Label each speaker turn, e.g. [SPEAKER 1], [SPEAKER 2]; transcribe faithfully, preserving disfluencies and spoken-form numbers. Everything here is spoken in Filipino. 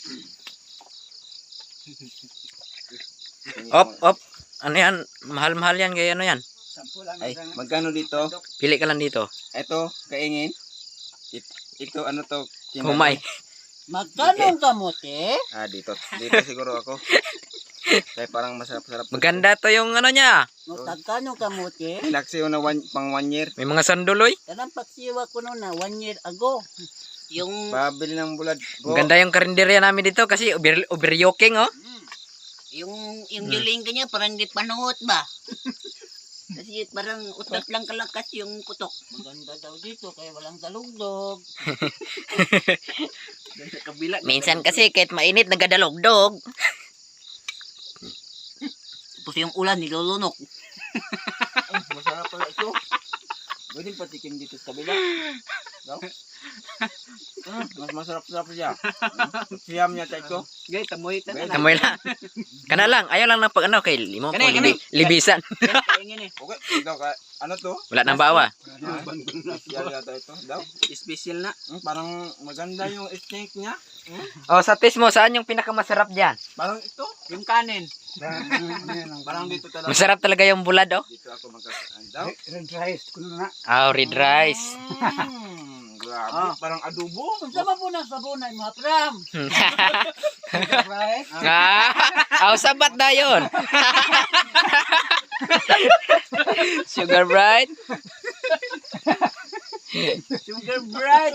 [SPEAKER 1] Op, op. Ano yan? Mahal-mahal yan. Kaya ano yan?
[SPEAKER 2] Ay, magkano dito?
[SPEAKER 1] Pili ka lang dito.
[SPEAKER 2] Ito, kaingin. It, ito, ano to? Kinala?
[SPEAKER 1] Humay.
[SPEAKER 3] Magkano ang kamote?
[SPEAKER 2] Ah, dito. Dito siguro ako. Kaya parang masarap-sarap.
[SPEAKER 1] Maganda to yung ano niya.
[SPEAKER 3] Magkano kamote?
[SPEAKER 2] Laksi na one, pang one year.
[SPEAKER 1] May mga sanduloy.
[SPEAKER 3] Kanang pagsiwa ko noon na one year ago. Yung
[SPEAKER 2] Babili ng bulad. Go.
[SPEAKER 1] Maganda yung karinderya namin dito kasi over, overyoking oh.
[SPEAKER 3] yung yung
[SPEAKER 1] Hmm.
[SPEAKER 3] giling kanya parang di panuot ba? Kasi parang utot lang kalakas yung putok. Maganda daw dito kaya walang dalugdog. Sa kabila.
[SPEAKER 1] Minsan kasi kahit mainit nagadalogdog.
[SPEAKER 3] Tapos yung ulan nilulunok.
[SPEAKER 2] Ay, masarap pala ito. Pwede patikim dito sa kabila. No? Ah, mas masarap-sarap siya. Siyam niya tayo.
[SPEAKER 3] Gay, tamoy ta.
[SPEAKER 1] Tamoy lang. Kana lang. Ayaw lang ng pag ano kay limo ko
[SPEAKER 3] Kani, kani.
[SPEAKER 1] libi, libisan.
[SPEAKER 3] Kaingin eh.
[SPEAKER 2] Okay, ikaw ka. Ano to?
[SPEAKER 1] Wala nang bawa.
[SPEAKER 2] Special yata ito. Daw?
[SPEAKER 3] Special na.
[SPEAKER 2] Hmm, parang maganda yung steak niya.
[SPEAKER 1] Oh, sa taste mo saan yung pinakamasarap diyan?
[SPEAKER 2] Parang ito.
[SPEAKER 3] Yung kanin.
[SPEAKER 2] Parang dito talaga.
[SPEAKER 1] Masarap talaga yung bulad oh.
[SPEAKER 2] Dito ako magka... Daw?
[SPEAKER 4] Red rice ko na.
[SPEAKER 1] Ah, oh, red rice.
[SPEAKER 2] Mm, grabe. Parang adobo.
[SPEAKER 3] Sama po na sabunay mga pram.
[SPEAKER 4] Rice.
[SPEAKER 1] Ah, oh, sabat na yun. Sugar bright.
[SPEAKER 3] Sugar bright.